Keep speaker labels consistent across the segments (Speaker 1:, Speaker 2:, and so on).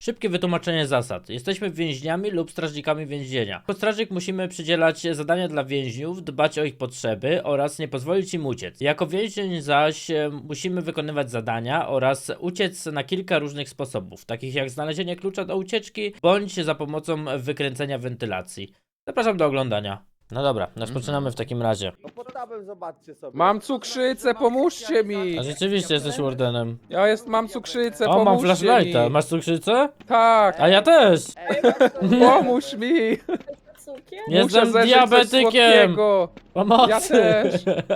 Speaker 1: Szybkie wytłumaczenie zasad. Jesteśmy więźniami lub strażnikami więzienia. Jako strażnik musimy przydzielać zadania dla więźniów, dbać o ich potrzeby oraz nie pozwolić im uciec. Jako więzień zaś musimy wykonywać zadania oraz uciec na kilka różnych sposobów, takich jak znalezienie klucza do ucieczki, bądź za pomocą wykręcenia wentylacji. Zapraszam do oglądania. No dobra, rozpoczynamy w takim razie.
Speaker 2: No pod tabem zobaczcie sobie.
Speaker 3: Mam cukrzycę, pomóżcie mi!
Speaker 1: A rzeczywiście jesteś wardenem.
Speaker 3: Mam cukrzycę,
Speaker 1: O, mam
Speaker 3: pomóżcie
Speaker 1: flashlighta.
Speaker 3: mi!
Speaker 1: Masz cukrzycę?
Speaker 3: Tak,
Speaker 1: A ja też!
Speaker 3: pomóż mi!
Speaker 4: Cukier?
Speaker 3: Muszę
Speaker 1: Jestem
Speaker 3: zeżyć coś
Speaker 1: diabetykiem!
Speaker 3: słodkiego.
Speaker 1: Pomocy!
Speaker 3: Ja też!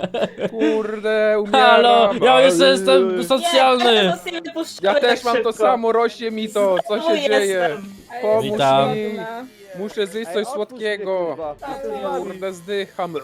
Speaker 3: Kurde, umieram!
Speaker 1: Halo! Ja jeszcze jestem socjalny!
Speaker 3: Ja też mam to samo, rośnie mi to, co się dzieje? Pomóż
Speaker 1: Witam.
Speaker 3: mi! Muszę zjeść coś słodkiego! Kurde, zdycham!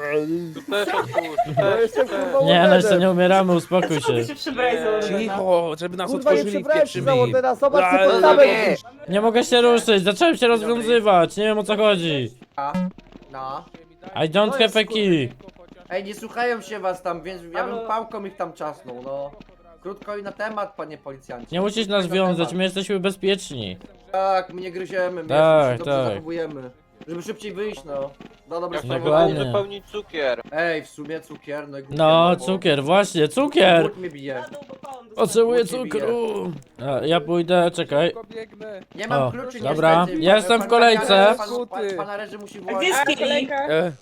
Speaker 2: No jestem kurwa
Speaker 1: Nie, no jeszcze
Speaker 2: wardenem.
Speaker 1: nie umieramy, uspokój się.
Speaker 3: Cicho, żeby nas
Speaker 2: Kurwa nie
Speaker 3: otworzyli,
Speaker 2: przebrałem się za
Speaker 3: pieprzymi!
Speaker 2: wardena, zobaczcie pod tabem.
Speaker 1: Nie mogę się ruszyć, zacząłem się rozwiązywać, nie wiem o co chodzi.
Speaker 5: No.
Speaker 1: I don't have a key.
Speaker 5: Ej, nie słuchają się was tam, więc ja bym pałką ich tam czasnął, no. Krótko i na temat, panie policjancie.
Speaker 1: Nie musisz nas wiązać, my jesteśmy bezpieczni.
Speaker 5: Tak, my nie gryziemy, my
Speaker 1: Tak,
Speaker 5: się dobrze
Speaker 1: tak.
Speaker 5: zachowujemy. Żeby szybciej wyjść, no. No dobra,
Speaker 1: Dokładnie.
Speaker 6: Wypełnić cukier.
Speaker 5: Ej, w sumie cukier, no i głupie,
Speaker 1: No,
Speaker 5: bo
Speaker 1: cukier, właśnie, cukier!
Speaker 5: Głód mnie bije.
Speaker 1: Potrzebuję
Speaker 5: Głód mnie
Speaker 1: cukru. A, ja pójdę, czekaj.
Speaker 3: Szybko biegnę!
Speaker 5: Nie mam
Speaker 1: O,
Speaker 5: kluczy,
Speaker 1: dobra,
Speaker 5: niestety.
Speaker 1: jestem w kolejce.
Speaker 5: Pana Reży musi
Speaker 4: Gdzie
Speaker 5: włożyć.
Speaker 4: jest kolejka?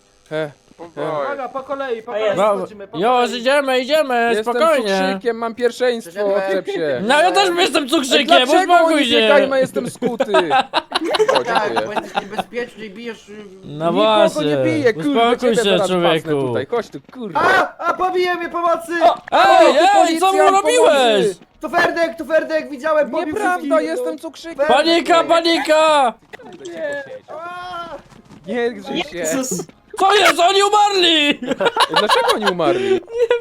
Speaker 5: Uwaga, po kolei, po
Speaker 4: A
Speaker 5: kolei
Speaker 4: jest.
Speaker 5: schodzimy, po
Speaker 1: Już
Speaker 5: kolei.
Speaker 1: idziemy,
Speaker 3: Jestem
Speaker 1: spokojnie.
Speaker 3: cukrzykiem, mam pierwszeństwo, odczep się!
Speaker 1: No ja też jestem cukrzykiem,
Speaker 3: Dlaczego
Speaker 1: uspokój
Speaker 3: oni
Speaker 1: się.
Speaker 3: biegają, a jestem skuty? O,
Speaker 5: Tak, bo
Speaker 3: dziękuję.
Speaker 5: jesteś niebezpieczny i bijesz...
Speaker 1: No
Speaker 3: Nikogo
Speaker 1: właśnie,
Speaker 3: nie bije, kurde,
Speaker 1: uspokój
Speaker 3: ciebie
Speaker 1: się,
Speaker 3: zaraz pasnę
Speaker 1: człowieku.
Speaker 3: tutaj. Chodź tu, kurde.
Speaker 5: A, pobije mnie pomocy!
Speaker 1: Ej, ej, co mu
Speaker 3: policjant,
Speaker 1: robiłeś?
Speaker 3: pomocy!
Speaker 5: To Ferdek, widziałem, pobił
Speaker 3: Nieprawda,
Speaker 5: wszystkich.
Speaker 3: jestem cukrzykiem!
Speaker 1: Panika, panika!
Speaker 5: A!
Speaker 3: Nie grzyj się!
Speaker 1: Co jest? Oni umarli!
Speaker 3: Dlaczego oni umarli?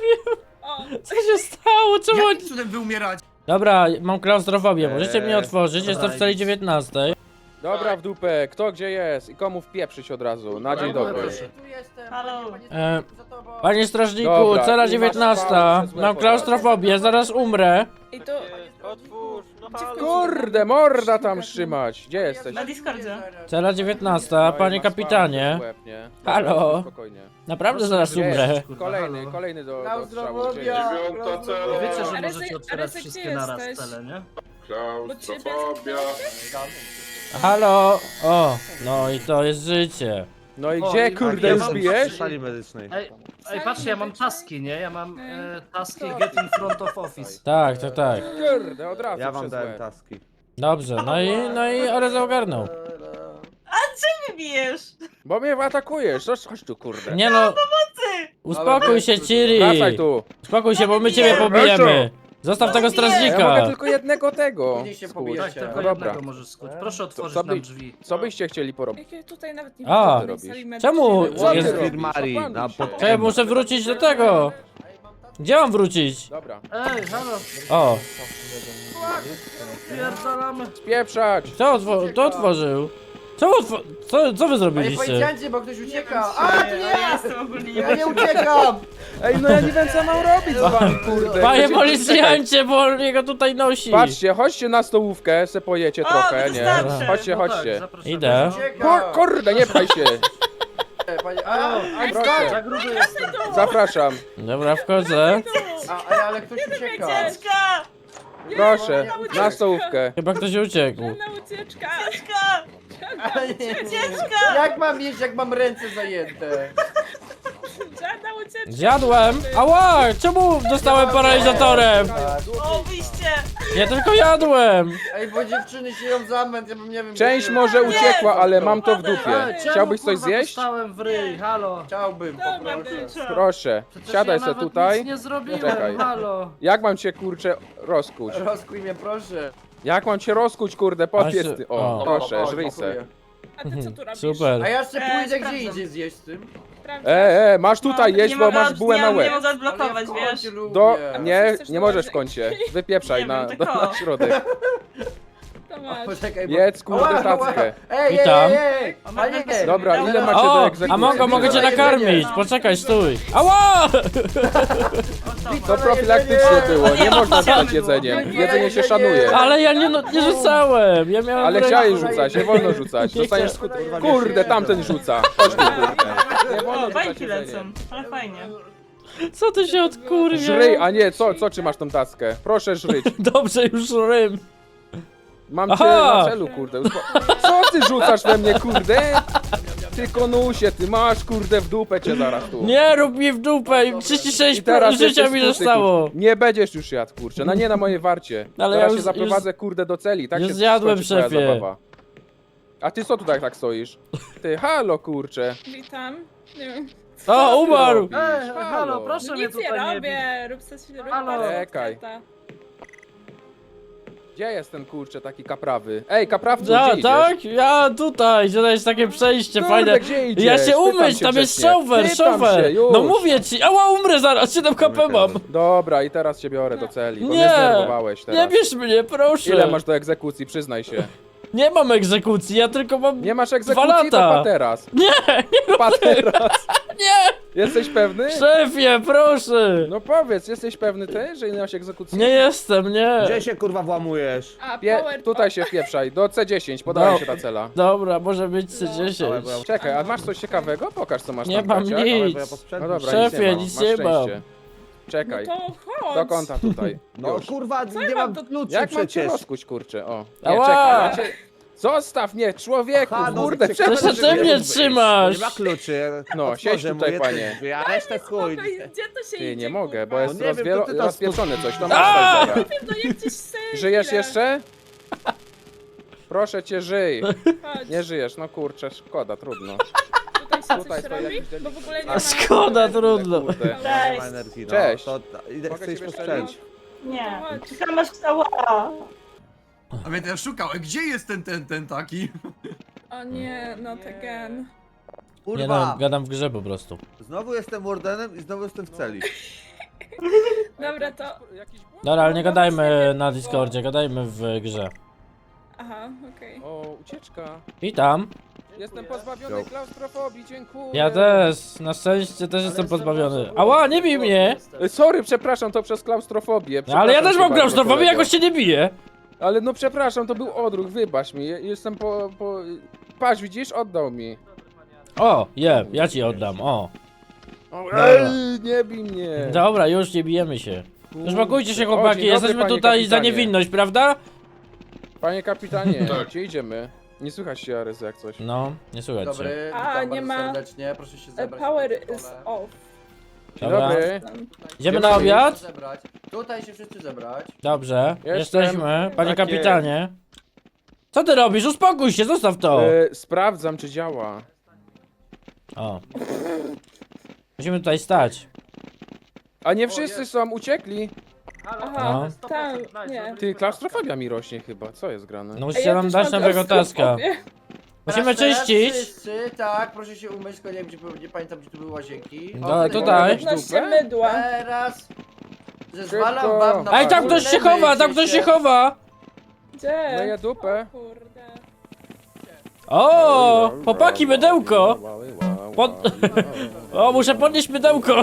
Speaker 1: Co się stało? Czemu oni...
Speaker 5: Jakim cudem wy umieracie?
Speaker 1: Dobra, mam klaustrofobię, możecie mnie otworzyć, jestem w
Speaker 5: dobra,
Speaker 1: celi 19.
Speaker 3: Dobra, w dupę, kto gdzie jest i komu wpieprzyć od razu, na dzień dobry.
Speaker 5: Tu jestem,
Speaker 4: Halo.
Speaker 5: panie
Speaker 1: E,
Speaker 5: za tobą.
Speaker 1: Panie strażniku,
Speaker 3: Dobra,
Speaker 1: cela
Speaker 3: i masz
Speaker 1: 19.
Speaker 3: pałę przez łeb
Speaker 1: Mam
Speaker 3: od
Speaker 1: klaustrofobię, zaraz umrę.
Speaker 4: I to...
Speaker 6: Otwórz, no halo.
Speaker 3: Kurde, morda tam trzymać! Gdzie jesteś?
Speaker 4: Na Discordzie.
Speaker 1: Cela 19,
Speaker 3: No i
Speaker 1: panie
Speaker 3: masz
Speaker 1: kapitanie.
Speaker 3: pałę przez łeb, nie?
Speaker 1: Halo?
Speaker 3: Dobra, spokojnie.
Speaker 1: Naprawdę zaraz umrę.
Speaker 3: Kolejny do strzału.
Speaker 5: Klaustrofobia.
Speaker 7: Wiecie, że
Speaker 4: Ale
Speaker 7: możecie
Speaker 4: ty-
Speaker 7: otwierać
Speaker 4: ale ty
Speaker 7: wszystkie
Speaker 4: gdzie
Speaker 7: naraz
Speaker 4: jesteś?
Speaker 7: cele, nie?
Speaker 4: Klaustrofobia.
Speaker 1: Halo? O, no i to jest życie.
Speaker 3: No i
Speaker 7: O,
Speaker 3: gdzie,
Speaker 7: i-
Speaker 3: kurde,
Speaker 7: ja
Speaker 3: już
Speaker 7: mam
Speaker 3: bijesz?
Speaker 2: sali medycznej.
Speaker 7: Ej, patrzcie, ja mam taski, nie? Ja mam taski get in front of office.
Speaker 1: Tak, tak, tak.
Speaker 3: Kurde, od razu
Speaker 2: Ja wam
Speaker 3: przez
Speaker 2: dałem
Speaker 3: łeb.
Speaker 2: taski.
Speaker 1: Dobrze, no i ale ogarnął.
Speaker 4: Wybijesz!
Speaker 3: Bo mnie atakujesz, chodź tu, kurde.
Speaker 1: Nie no, uspokój się, Ciri.
Speaker 3: Wracaj tu.
Speaker 1: Uspokój się, bo my ciebie pobijemy. Zostaw tego
Speaker 3: Ja mogę
Speaker 1: strażnika.
Speaker 3: tylko jednego tego.
Speaker 5: Później się
Speaker 3: skuć.
Speaker 5: pobijesz.
Speaker 7: Tak, tylko
Speaker 3: No dobra.
Speaker 7: jednego możesz skuć. Proszę otworzyć
Speaker 3: co by-
Speaker 7: nam drzwi.
Speaker 3: Co byście chcieli porobić?
Speaker 4: Jak ja tutaj nawet nie
Speaker 1: A,
Speaker 4: widzę tej
Speaker 3: ty
Speaker 4: sali
Speaker 3: robisz?
Speaker 4: medycznej.
Speaker 1: Czemu?
Speaker 3: Co ty
Speaker 1: Jest-
Speaker 3: robisz?
Speaker 2: Firmari,
Speaker 3: Opanuj
Speaker 2: na
Speaker 3: się.
Speaker 2: pod-
Speaker 1: Czekaj, muszę wrócić do tego. Gdzie mam wrócić?
Speaker 3: Dobra.
Speaker 7: Ej, halo,
Speaker 1: O,
Speaker 7: pierdolamy.
Speaker 3: Spieprzać!
Speaker 1: kto otworzył? Co wy
Speaker 5: Panie
Speaker 1: zrobiliście?
Speaker 5: policjancie, bo ktoś ucieka. A, to nie
Speaker 4: Ja
Speaker 5: ja!
Speaker 4: jestem ogólnie
Speaker 5: Ja nie uciekam!
Speaker 3: Ej, no ja nie wiem co mam robić z wami, kurde.
Speaker 1: Panie
Speaker 3: Chcecie-
Speaker 1: policjancie, bo on jego tutaj nosi.
Speaker 3: Patrzcie, chodźcie na stołówkę, se pojecie trochę, nie?
Speaker 4: wystarczy.
Speaker 3: Chodźcie,
Speaker 7: No tak,
Speaker 3: chodźcie.
Speaker 7: zapraszamy.
Speaker 1: Idę.
Speaker 5: Uciekam!
Speaker 3: Kurde, nie pchaj się!
Speaker 5: Panie,
Speaker 3: Proszę,
Speaker 7: Za gruby jestem.
Speaker 3: zapraszam.
Speaker 1: Dobra, wchodzę.
Speaker 5: ale ktoś ucieka.
Speaker 4: Ucieczka!
Speaker 3: Proszę, na stołówkę.
Speaker 1: Chyba ktoś uciekł.
Speaker 4: Żadna ucieczka!
Speaker 5: Ale nie, jak mam jeść, jak mam ręce zajęte?
Speaker 4: Żadna ucieczka!
Speaker 1: Zjadłem. Ała, czemu dostałem paralizatorem?
Speaker 4: O, wyjście!
Speaker 1: Ja tylko jadłem.
Speaker 5: Ej, bo dziewczyny się ją zamęt, ja bym nie wiem...
Speaker 3: Część
Speaker 5: nie-
Speaker 3: może uciekła, ale mam to w dupie.
Speaker 7: Ej, czemu,
Speaker 3: Chciałbyś coś
Speaker 7: kurwa,
Speaker 3: zjeść?
Speaker 7: dostałem w ryj, halo.
Speaker 5: Chciałbym,
Speaker 4: Dobra,
Speaker 5: poproszę.
Speaker 4: bycza.
Speaker 3: Proszę,
Speaker 7: Przecież
Speaker 3: siadaj
Speaker 7: ja
Speaker 3: se
Speaker 7: nawet
Speaker 3: tutaj.
Speaker 7: nic nie zrobiłem,
Speaker 3: Czekaj.
Speaker 7: halo.
Speaker 3: Jak mam cię, kurczę, rozkuć?
Speaker 5: Rozkuj mnie, proszę.
Speaker 3: Jak mam cię rozkuć, kurde, podjedz ty.
Speaker 1: O.
Speaker 3: O, proszę,
Speaker 5: O,
Speaker 3: żryj se.
Speaker 5: dziękuję.
Speaker 4: A ty co tu robisz?
Speaker 5: A
Speaker 1: Super.
Speaker 5: ja jeszcze pójdę gdzie
Speaker 4: sprawdzam.
Speaker 5: indziej zjeść z tym.
Speaker 4: Sprawdzasz?
Speaker 3: Masz tutaj
Speaker 4: No,
Speaker 3: jeść,
Speaker 4: nie
Speaker 3: bo
Speaker 4: mogę
Speaker 3: masz bułę na
Speaker 4: Nie
Speaker 3: łeb.
Speaker 4: mogę
Speaker 5: Ale
Speaker 4: odblokować,
Speaker 5: ja w
Speaker 4: wiesz?
Speaker 5: kącie lubię.
Speaker 3: Do,
Speaker 4: A
Speaker 3: nie,
Speaker 4: chcesz
Speaker 3: nie możesz w
Speaker 4: dołożyć?
Speaker 3: kącie. Wypieprzaj
Speaker 4: Nie
Speaker 3: na
Speaker 4: wiem, tylko.
Speaker 3: środek.
Speaker 4: To masz.
Speaker 5: Poczekaj,
Speaker 3: Jedz, kurde,
Speaker 5: Ała, ała.
Speaker 3: tackę.
Speaker 5: Ej,
Speaker 1: Witam.
Speaker 5: ej! Panie, nie!
Speaker 3: Dobra, ile macie
Speaker 1: O,
Speaker 3: do egzekucji?
Speaker 1: a mogę cię
Speaker 5: Jedzenie.
Speaker 1: nakarmić, poczekaj, stój. Ała!
Speaker 3: To profilaktycznie było, nie można rzucać jedzeniem. Jedzenie się szanuje.
Speaker 1: Ale ja nie rzucałem, ja miałem...
Speaker 3: Ale
Speaker 1: w ręku-
Speaker 3: chciałeś rzucać, nie wolno rzucać. Dostaniesz skutki. Kurde, tamten rzuca. Chodź tu, kurde. Nie wolno
Speaker 4: O,
Speaker 3: rzucać
Speaker 4: bajki lecą,
Speaker 3: jedzeniem.
Speaker 4: ale fajnie.
Speaker 1: Co ty się odkurwia?
Speaker 3: Żryj, a nie, co trzymasz tą taskę? Proszę żryć.
Speaker 1: Dobrze, już rym.
Speaker 3: Mam cię
Speaker 1: Aha.
Speaker 3: na celu, kurde. Co ty rzucasz we mnie, kurde? Ty konusie, ty masz, kurde, w dupę cię zaraz tu.
Speaker 1: Nie rób mi w dupę, 36
Speaker 3: I teraz
Speaker 1: życia
Speaker 3: jesteś
Speaker 1: mi
Speaker 3: skuty,
Speaker 1: zostało.
Speaker 3: kurde. Nie będziesz już jadł, kurczę, nie na mojej warcie.
Speaker 1: Ale
Speaker 3: Zaraz
Speaker 1: ja
Speaker 3: się
Speaker 1: już-
Speaker 3: zaprowadzę, kurde, do celi, tak
Speaker 1: już
Speaker 3: się
Speaker 1: zjadłem,
Speaker 3: skończy twoja
Speaker 1: szefie.
Speaker 3: zabawa. A ty co tutaj tak stoisz? Ty, halo, kurczę.
Speaker 4: Witam. Nie wiem.
Speaker 1: O, umarł.
Speaker 3: robisz?
Speaker 7: Halo, proszę mnie
Speaker 4: Nic nie
Speaker 7: tutaj nie bić.
Speaker 4: robię, rób coś, rób
Speaker 7: Halo.
Speaker 4: bardzo
Speaker 3: Czekaj.
Speaker 4: otwarta.
Speaker 3: Gdzie jest ten, kurczę, taki kaprawy? Ej, kaprawcu, gdzie idziesz?
Speaker 1: Tak? Ja tutaj, że to jest takie przejście
Speaker 3: Kurde,
Speaker 1: fajne.
Speaker 3: gdzie idziesz?
Speaker 1: Ja się
Speaker 3: Pytam
Speaker 1: umyć,
Speaker 3: się
Speaker 1: tam jest
Speaker 3: grzecznie.
Speaker 1: shower,
Speaker 3: Pytam się,
Speaker 1: shower.
Speaker 3: już.
Speaker 1: No mówię ci, ała umrę zaraz, 7 KP mam.
Speaker 3: Dobra, i teraz cię biorę do celi, bo mnie
Speaker 1: Nie,
Speaker 3: zdenerwowałeś teraz.
Speaker 1: nie bierz mnie, proszę.
Speaker 3: Ile masz do egzekucji, przyznaj się.
Speaker 1: Nie mam egzekucji, ja tylko mam...
Speaker 3: Nie masz
Speaker 1: 2
Speaker 3: egzekucji,
Speaker 1: lata.
Speaker 3: to pateras.
Speaker 1: Nie,
Speaker 3: Pateras.
Speaker 1: nie,
Speaker 3: Jesteś pewny?
Speaker 1: szefie, proszę.
Speaker 3: No powiedz, jesteś pewny ty, że nie masz egzekucji?
Speaker 1: Nie jestem, nie.
Speaker 2: Gdzie się kurwa włamujesz?
Speaker 4: A,
Speaker 3: Pie
Speaker 4: power
Speaker 3: tutaj się wpieprzaj, do C10, podaje
Speaker 1: No.
Speaker 3: się ta cela.
Speaker 1: Dobra, może być C10.
Speaker 3: Czekaj, a masz coś ciekawego? Pokaż co masz
Speaker 1: Nie
Speaker 3: tam,
Speaker 1: mam
Speaker 3: Kaciak.
Speaker 1: nic.
Speaker 3: No dobra,
Speaker 1: Szefie,
Speaker 3: nic
Speaker 1: nic
Speaker 3: nie
Speaker 1: nie
Speaker 3: mam,
Speaker 1: mam.
Speaker 3: masz szczęście. Czekaj,
Speaker 4: No to chodź.
Speaker 3: do kąta tutaj.
Speaker 2: No
Speaker 3: Już.
Speaker 2: kurwa, nie
Speaker 4: mam
Speaker 2: mam
Speaker 4: to-
Speaker 2: kluczy
Speaker 3: Jak mam cię
Speaker 2: przecież.
Speaker 3: rozkuć, kurczę, o. Nie,
Speaker 1: Ała!
Speaker 3: czekaj, ja cię... Zostaw mnie, człowieku,
Speaker 2: Aha, no,
Speaker 3: kurde,
Speaker 2: ciekawe,
Speaker 1: Przecież
Speaker 2: że
Speaker 1: ty mnie
Speaker 2: wyjść.
Speaker 1: trzymasz.
Speaker 2: Nie ma kluczy.
Speaker 3: No,
Speaker 2: Otworzę
Speaker 3: siedź
Speaker 2: mu
Speaker 3: tutaj,
Speaker 2: jedne
Speaker 3: panie.
Speaker 2: drzwi, A resztę chuj.
Speaker 4: Spokoj, gdzie to się
Speaker 3: Ty,
Speaker 4: idzie,
Speaker 3: nie mogę,
Speaker 4: kurwa?
Speaker 3: bo jest
Speaker 2: No nie wiem, to ty tam
Speaker 3: rozpieprzone coś, to
Speaker 1: A!
Speaker 3: masz tak
Speaker 4: No jak gdzieś sobie
Speaker 3: Żyjesz
Speaker 4: chwilę.
Speaker 3: jeszcze? Proszę cię, żyj.
Speaker 4: Chodź,
Speaker 3: Nie żyjesz, no kurczę, szkoda, trudno.
Speaker 4: tutaj się
Speaker 3: Tutaj
Speaker 4: coś
Speaker 3: stoi
Speaker 4: robi?
Speaker 3: jakiś
Speaker 4: Bo w ogóle nie
Speaker 1: A
Speaker 4: ma...
Speaker 1: szkoda, trudno.
Speaker 3: Kurde.
Speaker 2: Nie
Speaker 4: Cześć.
Speaker 2: ma energii, no.
Speaker 3: Cześć.
Speaker 2: To, idę,
Speaker 3: Mogę
Speaker 2: chcę iść
Speaker 3: ciebie
Speaker 2: posprzątać.
Speaker 3: strzelić?
Speaker 4: Nie, Chodź.
Speaker 8: Czekam aż wstała.
Speaker 9: A więc ja szukał, gdzie jest ten taki?
Speaker 4: O nie, not again.
Speaker 1: Nie
Speaker 2: Kurwa,
Speaker 1: no, gadam w grze po prostu.
Speaker 2: znowu jestem wardenem i znowu jestem w celi.
Speaker 4: Dobra, to...
Speaker 1: Dobra, ale nie gadajmy na Discordzie, gadajmy w grze.
Speaker 4: Aha, okej.
Speaker 3: O, ucieczka.
Speaker 1: Witam.
Speaker 3: Jestem pozbawiony klaustrofobii, dziękuję.
Speaker 1: Ja też, na szczęście też jestem pozbawiony. Ała, nie bij mnie!
Speaker 3: Sorry, przepraszam, to przez klaustrofobię.
Speaker 1: No, ale ja też
Speaker 3: Przepraszam
Speaker 1: mam
Speaker 3: cię bardzo,
Speaker 1: klaustrofobię,
Speaker 3: kolego.
Speaker 1: jakoś się nie bije.
Speaker 3: Ale no przepraszam, to był odruch, wybacz mi. Jestem Patrz, widzisz? Oddał mi.
Speaker 1: O, ja ci oddam, o.
Speaker 3: Ej, nie bij mnie.
Speaker 1: Dobra, już nie bijemy się. Uspokójcie się
Speaker 3: O,
Speaker 1: chłopaki,
Speaker 3: dzień dobry,
Speaker 1: jesteśmy
Speaker 3: panie
Speaker 1: tutaj za
Speaker 3: kapitanie.
Speaker 1: niewinność, prawda?
Speaker 3: Panie kapitanie, gdzie idziemy? Nie słychać się, Arys, jak coś.
Speaker 1: No, nie słuchajcie.
Speaker 5: Dobry,
Speaker 4: A,
Speaker 5: witam
Speaker 4: nie
Speaker 5: bardzo
Speaker 4: ma-
Speaker 5: serdecznie, proszę się zebrać.
Speaker 4: Power
Speaker 5: na
Speaker 4: is
Speaker 5: stole.
Speaker 4: off.
Speaker 3: Dzień
Speaker 1: Dobra.
Speaker 3: dobry.
Speaker 1: Idziemy
Speaker 3: Gdzie
Speaker 1: na
Speaker 3: mamy
Speaker 1: obiad?
Speaker 5: Zebrać. Tutaj się wszyscy zebrać.
Speaker 1: Dobrze,
Speaker 3: Jestem.
Speaker 1: jesteśmy, panie
Speaker 3: Tak
Speaker 1: kapitanie. Co ty robisz? Uspokój się, zostaw to!
Speaker 3: Sprawdzam, czy działa.
Speaker 1: O. Musimy tutaj stać.
Speaker 3: A nie wszyscy są, uciekli.
Speaker 4: Aha,
Speaker 1: No.
Speaker 4: tam, nie.
Speaker 3: Ty, klaustrofobia mi rośnie chyba, co jest grane?
Speaker 1: No
Speaker 4: Ej,
Speaker 1: musicie
Speaker 4: ja
Speaker 1: nam
Speaker 4: też
Speaker 1: dać
Speaker 4: mam
Speaker 1: nowego taska.
Speaker 4: klaustrofobię.
Speaker 1: Musimy
Speaker 5: Teraz
Speaker 1: czyścić.
Speaker 5: Wszyscy, tak, proszę się umyć, tylko nie wiem, nie pamiętam, gdzie tu były łazienki. O,
Speaker 1: No, tutaj.
Speaker 4: Odnośnie mydła.
Speaker 5: Teraz zezwalam
Speaker 3: Szybko.
Speaker 5: wam na
Speaker 1: Ej, tam ktoś się chowa, tam ktoś się chowa!
Speaker 4: Gdzie?
Speaker 3: Myję dupę.
Speaker 4: O kurde.
Speaker 1: O, chłopaki, mydełko! O, muszę podnieść mydełko!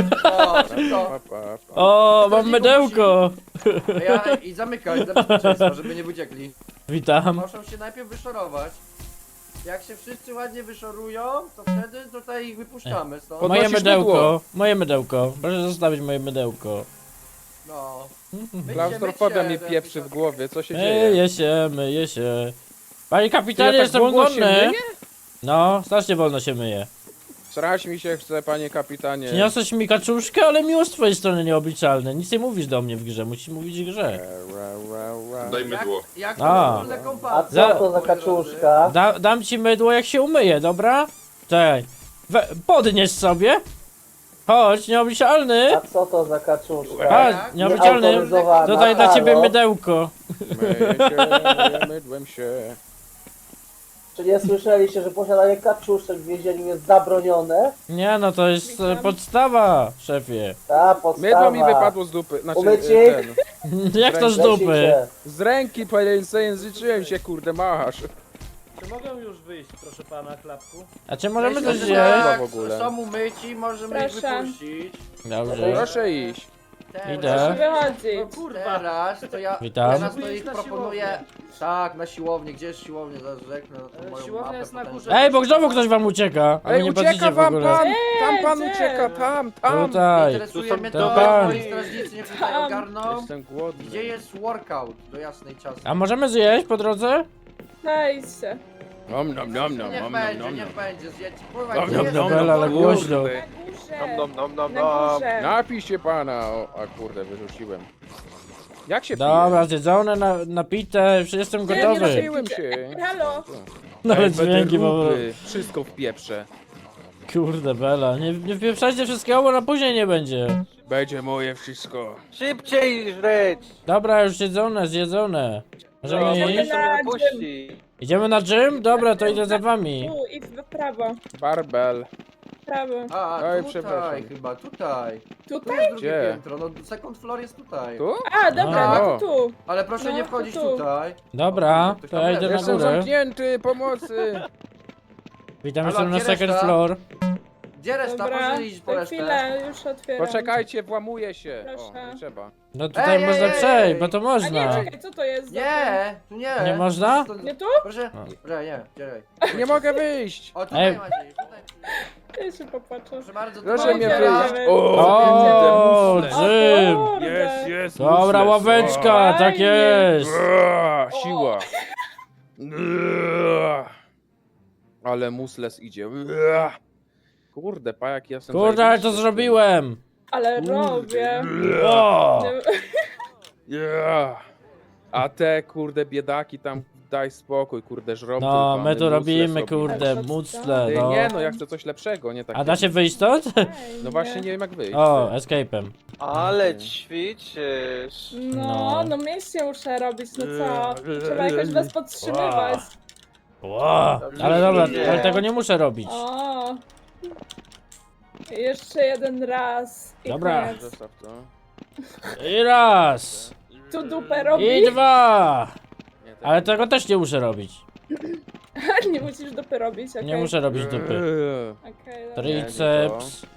Speaker 1: O, mam mydełko!
Speaker 5: I zamykać dla bezpieczeństwa, żeby nie wyciekli.
Speaker 1: Witam.
Speaker 5: Muszą się najpierw wyszorować. Jak się wszyscy ładnie wyszorują, to wtedy tutaj ich wypuszczamy stąd.
Speaker 3: Pod-
Speaker 1: Moje
Speaker 3: Podnosisz
Speaker 1: mydełko,
Speaker 3: mydło.
Speaker 1: moje mydełko. Proszę zostawić moje mydełko.
Speaker 5: No. Myjcie,
Speaker 3: Klaustrofobia
Speaker 5: myjcie,
Speaker 3: mi
Speaker 5: to
Speaker 3: pieprzy w
Speaker 5: jakiś-
Speaker 3: głowie, co się
Speaker 1: Myję
Speaker 3: dzieje?
Speaker 1: się, myję się. Panie
Speaker 3: Ty,
Speaker 1: kapitanie,
Speaker 3: ja tak
Speaker 1: jestem
Speaker 3: wolno się
Speaker 1: głodny.
Speaker 3: myję?
Speaker 1: No, strasznie wolno się myje.
Speaker 3: Srać mi się chce, panie kapitanie.
Speaker 1: Przyniosłeś mi kaczuszkę, ale miło z twojej strony nieobliczalne. Nic nie mówisz do mnie w grze, musisz mówić w grze.
Speaker 6: Daj mydło.
Speaker 5: Jak
Speaker 1: A.
Speaker 5: to wspólne kompacje,
Speaker 1: Za-
Speaker 5: moi drodzy.
Speaker 1: Dam ci mydło, jak się umyję, dobra? Czekaj. Podnieś sobie. Chodź, nieobliczalny.
Speaker 8: Co to za kaczuszka?
Speaker 1: Chodź,
Speaker 5: Tak?
Speaker 1: nieobliczalny.
Speaker 8: Nieautoryzowana.
Speaker 1: Tutaj dla ciebie
Speaker 8: Halo?
Speaker 1: mydełko.
Speaker 3: Myję się, mydłem się.
Speaker 8: Czy nie słyszeliście, że posiadanie kaczuszek w więzieniu jest zabronione?
Speaker 1: Nie no, to jest podstawa, szefie.
Speaker 8: Ta podstawa.
Speaker 3: Mydło mi wypadło z dupy. Znaczy,
Speaker 8: Umycie
Speaker 3: ten.
Speaker 1: Jak to z
Speaker 8: Lecicie.
Speaker 1: dupy?
Speaker 3: Z ręki zajęzyczyłem się, kurde, machasz.
Speaker 7: Czy mogę już wyjść, proszę pana, klapku?
Speaker 1: A czy możemy
Speaker 5: Myślę,
Speaker 1: coś
Speaker 5: że
Speaker 1: zjeść?
Speaker 5: tak,
Speaker 3: w ogóle.
Speaker 5: Są umyci, możemy ich
Speaker 4: Proszę.
Speaker 5: wypuścić.
Speaker 1: Dobrze.
Speaker 3: Proszę iść.
Speaker 1: Idę.
Speaker 4: Wychodzić.
Speaker 5: Teraz to ja
Speaker 1: Witam.
Speaker 5: teraz to
Speaker 7: Pójdziesz
Speaker 5: ich
Speaker 7: na
Speaker 5: proponuję.
Speaker 7: siłownię.
Speaker 5: Tak, na siłownię. Gdzie jest siłownia? Zaraz rzeknę na tą moją
Speaker 7: Siłownia
Speaker 5: mapę
Speaker 7: jest na
Speaker 5: potężną.
Speaker 7: górze.
Speaker 1: Ej, bo znowu ktoś wam ucieka. A wy
Speaker 3: Ej,
Speaker 1: nie
Speaker 3: ucieka
Speaker 1: patrzycie w
Speaker 3: wam
Speaker 1: ogóle.
Speaker 3: pan! Tam pan
Speaker 4: Gdzie?
Speaker 3: ucieka, tam!
Speaker 1: Tutaj.
Speaker 5: Interesuje mnie
Speaker 1: to
Speaker 5: to,
Speaker 1: pan.
Speaker 5: moi strażnicy nie tutaj
Speaker 4: Tam.
Speaker 5: ogarną.
Speaker 3: Jestem głodny.
Speaker 5: Gdzie jest workout do jasnej czasy?
Speaker 1: A możemy zjeść po drodze?
Speaker 4: Wejdźcie.
Speaker 3: Nom, nom, nom, nom,
Speaker 5: Niech
Speaker 3: nom,
Speaker 5: będzie,
Speaker 3: nom,
Speaker 5: niech
Speaker 3: nom.
Speaker 5: będzie, zjedźcie. Pływaj,
Speaker 3: Nom,
Speaker 5: gdzie
Speaker 3: nom,
Speaker 5: jest
Speaker 3: nom,
Speaker 1: Dobra, ale
Speaker 5: workout?
Speaker 1: głośno.
Speaker 3: Kurde.
Speaker 4: Na górze. Na górze.
Speaker 3: Napij się pana! O, a kurde, wyrzuciłem. Jak się
Speaker 1: Dobra, zjedzone, napite, jestem
Speaker 3: pije?
Speaker 1: gotowy.
Speaker 3: Napiłem się.
Speaker 4: Halo.
Speaker 1: Nawet dźwięki po prostu.
Speaker 3: Wszystko w pieprze.
Speaker 1: Kurde Bela, nie wpieprzajcie wszystkiego, bo na później nie będzie.
Speaker 3: Będzie moje wszystko.
Speaker 8: Szybciej żreć!
Speaker 1: Dobra, już zjedzone. Możemy
Speaker 4: Idziemy
Speaker 1: iść?
Speaker 4: na gym.
Speaker 1: Idziemy na gym? Dobra, to idę za wami.
Speaker 4: Tu i w prawo.
Speaker 3: Barbel.
Speaker 4: W prawo.
Speaker 5: A,
Speaker 3: Oj,
Speaker 5: tutaj
Speaker 3: przepraszam.
Speaker 5: chyba, tutaj. Tu
Speaker 4: Tutaj?
Speaker 5: jest drugie
Speaker 3: Gdzie?
Speaker 5: piętro, no second floor jest tutaj.
Speaker 3: Tu?
Speaker 4: A, dobra,
Speaker 1: A.
Speaker 4: no to tu.
Speaker 5: Ale proszę
Speaker 4: No,
Speaker 5: nie
Speaker 4: to
Speaker 5: wchodzić
Speaker 4: tu.
Speaker 5: tutaj.
Speaker 1: Dobra, to ja idę na
Speaker 3: Jestem
Speaker 1: górę.
Speaker 3: zamknięty, pomocy!
Speaker 1: Witam,
Speaker 5: Halo,
Speaker 1: jestem na
Speaker 5: gdzie
Speaker 1: second
Speaker 5: reszta?
Speaker 1: floor.
Speaker 5: Gdzie reszta?
Speaker 4: Dobra,
Speaker 5: Proszę iść po
Speaker 4: to
Speaker 5: resztę.
Speaker 4: chwilę, już otwieram.
Speaker 3: Poczekajcie, włamuję się. O,
Speaker 4: Proszę.
Speaker 3: nie trzeba.
Speaker 1: No tutaj
Speaker 5: Ej,
Speaker 1: można
Speaker 5: ej,
Speaker 1: przejść,
Speaker 5: ej.
Speaker 1: bo to
Speaker 4: A nie,
Speaker 1: można.
Speaker 4: czekaj, co to jest? za ten?
Speaker 5: Nie, tu nie.
Speaker 1: Nie można?
Speaker 4: Nie tu?
Speaker 5: Proszę,
Speaker 1: No.
Speaker 5: proszę, nie, czekaj.
Speaker 3: Nie mogę wyjść!
Speaker 5: O, tutaj
Speaker 1: Ej.
Speaker 5: Maciej, tutaj.
Speaker 4: Ja się popatrzę.
Speaker 5: Proszę bardzo, tu
Speaker 3: Proszę
Speaker 5: mamy
Speaker 3: mnie
Speaker 5: otwieram.
Speaker 3: wyjść.
Speaker 1: O,
Speaker 3: Jedziemy.
Speaker 1: gym!
Speaker 4: kurde.
Speaker 3: jest!
Speaker 1: Dobra, ławeczka, tak
Speaker 4: Fajnie.
Speaker 1: jest.
Speaker 3: Siła. Ale musles idzie. Kurde, pajak jestem.
Speaker 1: Kurde, ale to
Speaker 3: zajebiście.
Speaker 1: zrobiłem.
Speaker 4: Ale robię.
Speaker 1: O!
Speaker 3: A te kurde biedaki tam daj spokój, kurde żrą
Speaker 1: No,
Speaker 3: tylko,
Speaker 1: my
Speaker 3: one
Speaker 1: tu
Speaker 3: musle
Speaker 1: robimy,
Speaker 3: sobie.
Speaker 1: kurde, mucle,
Speaker 3: Ty,
Speaker 1: no.
Speaker 3: nie no, ja chcę coś lepszego, nie tak.
Speaker 1: A da się wyjść stąd?
Speaker 3: No właśnie nie wiem jak wyjść.
Speaker 1: O, escape'em.
Speaker 8: Ale ćwiczysz.
Speaker 4: No mięśnie muszę robić, no co? Trzeba jakoś was podtrzymywać.
Speaker 1: Wow. Ale dobra, ale tego nie muszę robić.
Speaker 4: O. Jeszcze jeden raz. I
Speaker 1: Dobra.
Speaker 4: koniec.
Speaker 3: Zostaw to.
Speaker 1: I raz.
Speaker 4: Tu dupę robi.
Speaker 1: I dwa.
Speaker 3: Nie, tak
Speaker 1: Ale tego też nie muszę robić.
Speaker 4: Nie musisz dupy robić, okej.
Speaker 1: Nie muszę robić dupy.
Speaker 4: Okej, dobra.
Speaker 1: Triceps.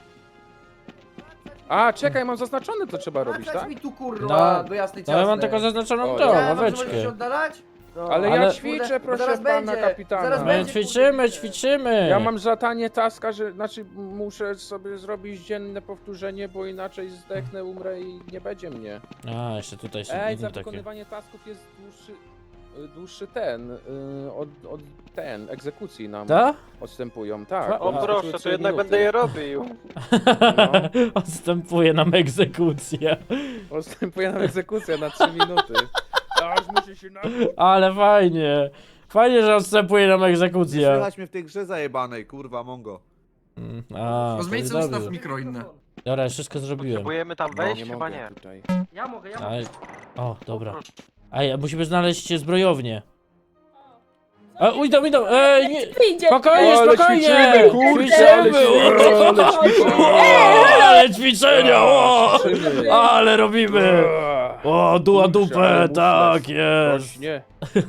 Speaker 3: A, czekaj, mam zaznaczone to trzeba robić,
Speaker 5: Wracać
Speaker 3: tak?
Speaker 5: mi tu kurwa, do jasnej
Speaker 1: No ja mam
Speaker 5: czasnej.
Speaker 1: tylko zaznaczoną
Speaker 3: O,
Speaker 1: tą
Speaker 3: nie,
Speaker 5: Nie, możesz się
Speaker 1: ławeczkę.
Speaker 5: oddalać? No.
Speaker 3: Ale
Speaker 1: Ale-
Speaker 3: ja ćwiczę,
Speaker 5: Kurde, bo
Speaker 3: proszę
Speaker 5: zaraz
Speaker 3: pana
Speaker 5: będzie,
Speaker 3: kapitana.
Speaker 5: zaraz
Speaker 1: My
Speaker 5: będzie.
Speaker 1: ćwiczymy.
Speaker 3: Ja mam zadanie taska, że znaczy muszę sobie zrobić dzienne powtórzenie, bo inaczej zdechnę, umrę i nie będzie mnie.
Speaker 1: A, jeszcze tutaj są
Speaker 3: Ej,
Speaker 1: inne
Speaker 3: za
Speaker 1: takie.
Speaker 3: wykonywanie tasków jest dłuższy ten, od ten, egzekucji nam
Speaker 1: Da?
Speaker 3: odstępują, tak.
Speaker 1: O,
Speaker 8: O
Speaker 3: Odstępują
Speaker 8: proszę, to
Speaker 3: 3
Speaker 8: jednak
Speaker 3: minuty.
Speaker 8: będę je robił.
Speaker 3: No,
Speaker 1: Odstępuje nam egzekucja.
Speaker 3: odstępuje nam egzekucja na 3 minuty. Aż muszę się napić.
Speaker 1: Ale fajnie. Fajnie, że odstępuje nam
Speaker 2: Nie
Speaker 1: egzekucja.
Speaker 2: słychać mnie w tej grze zajebanej, kurwa, mongo.
Speaker 1: A,
Speaker 9: No
Speaker 1: to
Speaker 9: zmień
Speaker 1: jest
Speaker 9: sobie ustaw
Speaker 1: dobrze.
Speaker 9: mikro inne.
Speaker 1: Dobra, już wszystko zrobiłem.
Speaker 8: Próbujemy tam
Speaker 3: No,
Speaker 8: wejść?
Speaker 3: nie
Speaker 8: Chyba
Speaker 3: mogę
Speaker 8: nie.
Speaker 3: tutaj.
Speaker 7: Ja mogę.
Speaker 1: Aj. O, dobra. Ej, musimy znaleźć zbrojownię. Idą. Ej, nie.
Speaker 4: Idzie.
Speaker 1: Spokojnie,
Speaker 3: Ale
Speaker 1: spokojnie!
Speaker 3: ćwiczymy, kurczę, ale ćwiczymy.
Speaker 1: Ale ćwiczenia! O!
Speaker 3: Ćwiczymy.
Speaker 1: Ale robimy! O, duła
Speaker 3: Kurczę,
Speaker 1: dupę,
Speaker 3: ale
Speaker 1: tak jest!
Speaker 3: Właśnie.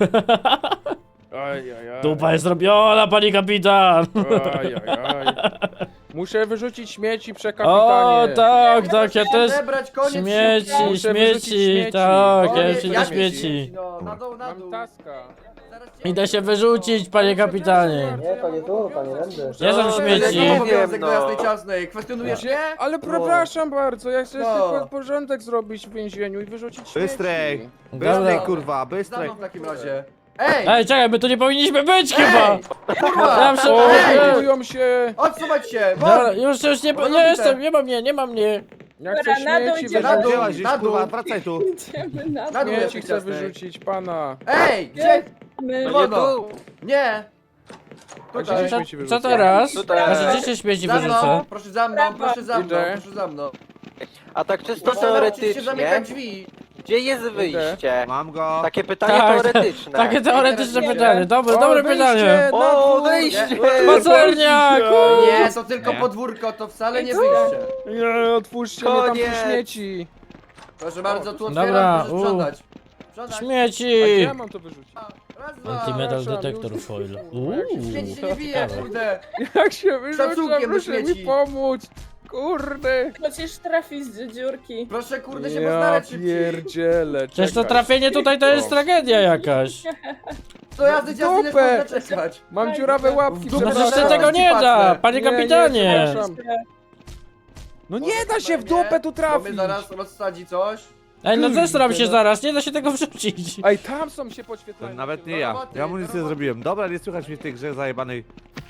Speaker 3: Aj.
Speaker 1: Dupa jest robiona, pani kapitan!
Speaker 3: Aj. Muszę wyrzucić śmieci,
Speaker 1: O,
Speaker 3: przekapitanie.
Speaker 1: tak, ja też...
Speaker 5: Zebrać koniec
Speaker 1: Śmieci,
Speaker 3: Muszę wyrzucić
Speaker 1: śmieci,
Speaker 3: śmieci.
Speaker 1: tak, ja
Speaker 5: Koniec,
Speaker 1: już idę
Speaker 5: jak
Speaker 1: śmieci.
Speaker 5: No, na dół.
Speaker 3: Mam taska.
Speaker 5: Zaraz cię-
Speaker 1: Idę się wyrzucić, panie kapitanie.
Speaker 8: Nie, to nie tu, to nie będę.
Speaker 1: Gdzie są
Speaker 5: To
Speaker 1: śmieci?
Speaker 5: jest obowiązek
Speaker 8: Wiem,
Speaker 5: do
Speaker 8: no.
Speaker 5: jasnej czasnej. Kwestionujesz mnie?
Speaker 3: Ale przepraszam bardzo, ja chcę
Speaker 5: No.
Speaker 3: tylko porządek zrobić w więzieniu i wyrzucić śmieci.
Speaker 2: Bystrej!
Speaker 1: Dobra.
Speaker 2: Bystrej, kurwa,
Speaker 5: Za
Speaker 2: bystrej!
Speaker 5: mną w takim razie. Ej!
Speaker 1: Ej, czekaj, my tu nie powinniśmy być chyba!
Speaker 5: Ej! Kurwa!
Speaker 1: Ja muszę...
Speaker 3: O,
Speaker 1: Ej,
Speaker 3: budują się!
Speaker 5: Odsuwać się!
Speaker 1: dobra, już nie
Speaker 5: Robite.
Speaker 1: jestem, nie ma mnie.
Speaker 3: Ja chcę
Speaker 4: Dobra, na dół
Speaker 3: śmieci
Speaker 4: idziemy.
Speaker 5: Na dół,
Speaker 2: Działaś gdzieś,
Speaker 5: na dół.
Speaker 2: kurwa, wracaj tu!
Speaker 4: Idziemy na
Speaker 5: Na dół.
Speaker 3: Śmieci
Speaker 5: jasnej
Speaker 3: chcę
Speaker 5: czasnej.
Speaker 3: wyrzucić pana.
Speaker 5: Ej! Gdzie?
Speaker 4: My.
Speaker 8: To nie
Speaker 5: Wolno.
Speaker 8: tu.
Speaker 5: Nie!
Speaker 3: A gdzie
Speaker 5: Tutaj.
Speaker 3: się śmieci
Speaker 1: Co
Speaker 3: wyrzuca?
Speaker 1: teraz?
Speaker 8: Tutaj.
Speaker 1: Znaczy, gdzie się śmieci
Speaker 5: Za
Speaker 1: wyrzuca?
Speaker 5: mną, proszę za mną, proszę za mną,
Speaker 3: Idę.
Speaker 5: proszę za mną.
Speaker 8: A tak czysto
Speaker 5: Proszę nauczyć się
Speaker 8: teoretycznie.
Speaker 5: zamykać drzwi.
Speaker 3: Gdzie jest wyjście?
Speaker 2: Mam go.
Speaker 3: Takie
Speaker 1: Tak, takie teoretyczne
Speaker 5: Idę.
Speaker 1: pytanie. Dobre pytanie.
Speaker 3: O, wyjście!
Speaker 1: Pacerniak!
Speaker 5: Nie, to tylko podwórko, to wcale nie wyjście.
Speaker 3: Nie, otwórzcie mnie tam
Speaker 5: Koniec.
Speaker 3: tu śmieci.
Speaker 5: Proszę bardzo, tu
Speaker 1: Dobra,
Speaker 5: otwieram, proszę sprzątać. Sprzątać.
Speaker 3: A gdzie
Speaker 1: Śmieci!
Speaker 3: ja mam to wyrzucić?
Speaker 5: Raz, dwa.
Speaker 1: Antimetal
Speaker 3: przepraszam,
Speaker 1: detector
Speaker 3: już.
Speaker 1: foil.
Speaker 5: Śmieci się nie bije,
Speaker 1: ciekawe.
Speaker 5: kurde.
Speaker 3: Jak się wyrzuca,
Speaker 5: Szacunkiem do
Speaker 3: proszę mi
Speaker 5: śmieci.
Speaker 3: pomóc. Kurde.
Speaker 4: Chociaż trafi z dziurki.
Speaker 5: Proszę, kurde, się
Speaker 3: Ja
Speaker 5: postarać szybciej.
Speaker 3: pierdzielę.
Speaker 1: Przecież to
Speaker 3: czekaj.
Speaker 1: trafienie tutaj to jest tragedia jakaś.
Speaker 5: To jazdy ciasny nie
Speaker 3: Dupę.
Speaker 5: można czekać.
Speaker 3: Mam dziurawe łapki,
Speaker 5: W dupę
Speaker 1: No
Speaker 3: przepraszam.
Speaker 1: przecież się tego nie da, panie
Speaker 3: Nie, nie,
Speaker 1: kapitanie.
Speaker 3: przepraszam. No nie da się w dupę tu
Speaker 5: Bo
Speaker 3: trafić.
Speaker 5: mnie zaraz rozsadzi coś.
Speaker 1: Ej, no zestram się
Speaker 3: no.
Speaker 1: zaraz, nie da się tego wrzucić.
Speaker 3: Ej, tam są się
Speaker 2: To
Speaker 3: podświetlają.
Speaker 2: nawet nie ja. Ja mu nic nie zrobiłem. Dobra, nie słychać mnie w tej grze zajebanej.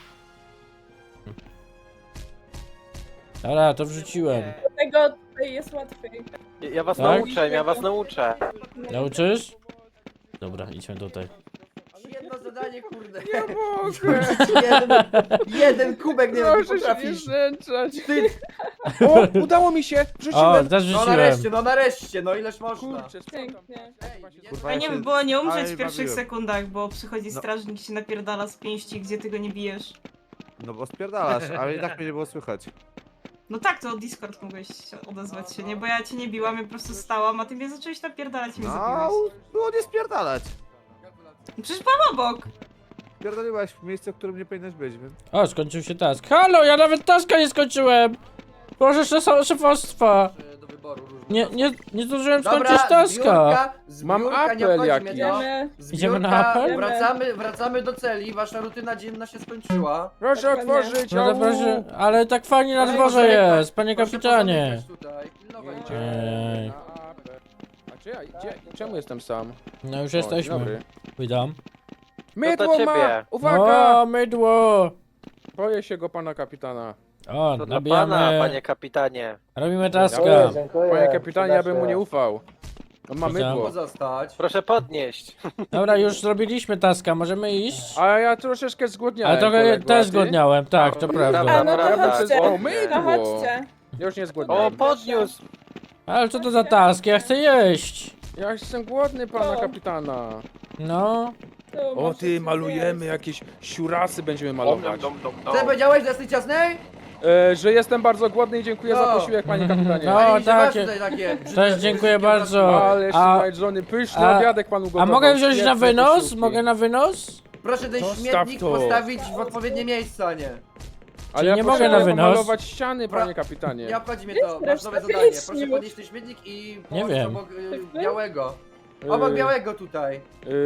Speaker 1: Dobra, to wrzuciłem.
Speaker 4: Dlatego tutaj jest łatwiej.
Speaker 3: Ja was
Speaker 1: Tak?
Speaker 3: nauczę, ja was nauczę.
Speaker 1: Nauczysz? Dobra, idźmy tutaj.
Speaker 5: Jedno zadanie, kurde.
Speaker 3: Nie mogę.
Speaker 5: Jeden kubek nie
Speaker 3: Proszę się nie
Speaker 5: potrafisz.
Speaker 3: znęcać.
Speaker 5: Ty,
Speaker 3: O, udało mi się.
Speaker 1: O,
Speaker 3: Wrzuciłem.
Speaker 1: też wrzuciłem.
Speaker 5: no nareszcie, no ileż można.
Speaker 3: Kurczę, sprzątam.
Speaker 4: Pięknie.
Speaker 2: Kurwa,
Speaker 10: Fajnie
Speaker 2: ja
Speaker 10: by
Speaker 2: się-
Speaker 10: było nie umrzeć
Speaker 2: Aj,
Speaker 10: w pierwszych
Speaker 2: bawiłem.
Speaker 10: sekundach, bo przychodzi
Speaker 2: No.
Speaker 10: strażnik i się napierdala z pięści, gdzie ty go nie bijesz.
Speaker 2: No bo spierdalasz, ale i tak mnie nie było słychać.
Speaker 10: No tak, to Discord mogłeś odezwać się, nie? Bo ja cię nie biłam, ja po prostu stałam, a ty mnie zacząłeś napierdalać i mnie
Speaker 2: No,
Speaker 10: zabiłeś.
Speaker 2: było nie spierdalać.
Speaker 10: Przecież pan obok!
Speaker 2: Spierdoliłaś w miejsce, w którym nie powinnaś być, więc...
Speaker 1: O, skończył się task. Halo, ja nawet taska nie skończyłem! Proszę szefostwa.
Speaker 5: Do wyboru różnych.
Speaker 1: Nie zdążyłem
Speaker 5: Dobra,
Speaker 1: skończyć taska.
Speaker 5: zbiórka,
Speaker 3: Mam
Speaker 5: zbiórka, nie
Speaker 3: apel
Speaker 5: obchodzi
Speaker 3: jakiś.
Speaker 5: mnie to.
Speaker 4: Idziemy.
Speaker 1: Idziemy na
Speaker 5: Zbiórka,
Speaker 1: apel?
Speaker 5: wracamy do celi, wasza rutyna dzienna się skończyła.
Speaker 3: Proszę otworzyć.
Speaker 1: No to
Speaker 3: au.
Speaker 1: proszę, ale tak fajnie na
Speaker 5: Proszę
Speaker 1: dworze
Speaker 5: pozamykać,
Speaker 1: jest, panie
Speaker 5: proszę
Speaker 1: kapitanie.
Speaker 5: pozamykać tutaj, pilnować.
Speaker 1: Ej.
Speaker 3: Na apel. A czy ja, czemu jestem sam?
Speaker 1: No już
Speaker 3: O, dzień
Speaker 1: jesteśmy.
Speaker 3: dobry.
Speaker 1: Witam.
Speaker 3: Mydło ma! Uwaga!
Speaker 1: O, mydło!
Speaker 3: Boję się go pana kapitana.
Speaker 1: O, nabijamy.
Speaker 7: kapitanie.
Speaker 1: Robimy taska.
Speaker 8: Dziękuję, dziękuję.
Speaker 3: Panie kapitanie, ja bym mu
Speaker 8: Przyda
Speaker 3: nie
Speaker 8: się.
Speaker 3: ufał. On ma
Speaker 1: Witam.
Speaker 3: mydło.
Speaker 5: Pozostać.
Speaker 7: Proszę podnieść.
Speaker 1: Dobra, już zrobiliśmy taska, możemy iść?
Speaker 3: A ja troszeczkę zgłodniałem.
Speaker 1: Ale trochę
Speaker 3: kolego, a
Speaker 1: też
Speaker 3: ty?
Speaker 1: zgłodniałem, tak, to prawda.
Speaker 4: A no to
Speaker 7: Dobra,
Speaker 4: chodźcie.
Speaker 3: O,
Speaker 4: No
Speaker 3: mydło!
Speaker 4: chodźcie.
Speaker 3: Ja już nie zgłodniałem.
Speaker 7: podniósł.
Speaker 1: Ale co to za task? Ja chcę jeść.
Speaker 3: Ja jestem głodny pana
Speaker 4: O.
Speaker 3: kapitana.
Speaker 1: No.
Speaker 4: Tu
Speaker 3: O
Speaker 4: możecie
Speaker 3: ty, malujemy
Speaker 4: zjeść.
Speaker 3: jakieś siurasy będziemy malować.
Speaker 5: Co powiedziałeś, że jesteś ciasnej?
Speaker 3: Że jestem bardzo głodny i dziękuję za
Speaker 5: No.
Speaker 3: posiłek, panie kapitanie.
Speaker 1: No.
Speaker 5: Pani, że masz
Speaker 1: takie-
Speaker 5: tutaj takie brzydkie-
Speaker 1: Też dziękuję
Speaker 5: brzydkie
Speaker 1: bardzo.
Speaker 3: Ale jeszcze
Speaker 1: A-
Speaker 3: najedzony pyszny
Speaker 1: a-
Speaker 3: obiadek panu gotował.
Speaker 1: A mogę wziąć na
Speaker 3: świetne
Speaker 1: wynos?
Speaker 3: posiłki.
Speaker 1: Mogę na wynos?
Speaker 5: Proszę ten
Speaker 3: Zostaw
Speaker 5: śmietnik
Speaker 3: to.
Speaker 5: postawić w odpowiednie miejsce, a nie.
Speaker 3: Ale ja
Speaker 1: nie mogę
Speaker 3: potrzebuję
Speaker 1: na wynos?
Speaker 3: pomalować ściany, panie kapitanie.
Speaker 5: Nie obchodzi mnie
Speaker 4: Jest
Speaker 5: to, masz
Speaker 4: reszta
Speaker 5: nowe zadanie.
Speaker 4: pieśni
Speaker 5: Proszę
Speaker 4: już.
Speaker 5: podnieść ten śmietnik i
Speaker 1: Nie
Speaker 5: położyć
Speaker 1: wiem.
Speaker 5: obok
Speaker 4: Ty?
Speaker 5: białego. Obok
Speaker 3: Yy,
Speaker 5: białego tutaj.